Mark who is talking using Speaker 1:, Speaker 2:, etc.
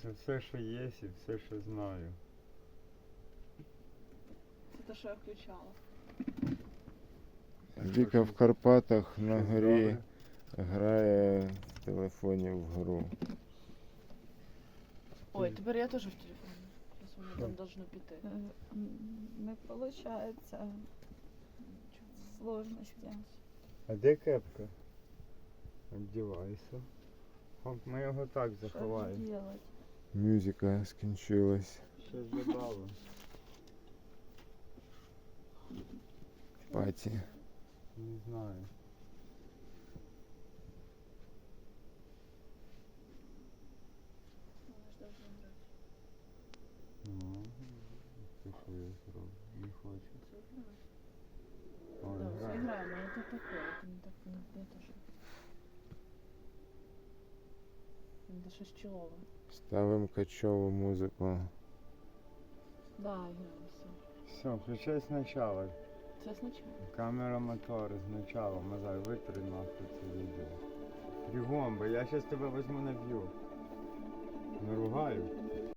Speaker 1: Це все, що є, і все, що знаю.
Speaker 2: Це те, що я включала.
Speaker 3: Віка в Карпатах на
Speaker 1: Щось
Speaker 3: горі
Speaker 1: добре?
Speaker 3: грає в телефоні в гру.
Speaker 2: Ой, тепер я теж в телефоні. Зараз воно
Speaker 1: Що?
Speaker 2: там должно піти.
Speaker 4: Не получается. Сложности.
Speaker 1: А де кепка? Одівайся. Хоп, ми його так
Speaker 4: Что же
Speaker 1: заховаємо.
Speaker 4: делать?
Speaker 3: Музика скінчилась.
Speaker 1: Щось забавимо.
Speaker 3: Паті.
Speaker 1: Не знаю. Ну, ти що я зроблю? Не хочу. Ой,
Speaker 2: Да, все
Speaker 1: грай.
Speaker 2: играем, но это такое, это не так, не то, что... Это щось чолове.
Speaker 3: Ставимо качову музику.
Speaker 2: Да, играем, все.
Speaker 1: Все, включай спочатку.
Speaker 2: Це спочатку.
Speaker 1: Камера мотор спочатку. Мазай, витри нахуй це відео. Бігом, бо я зараз тебе візьму наб'ю. Наругаю.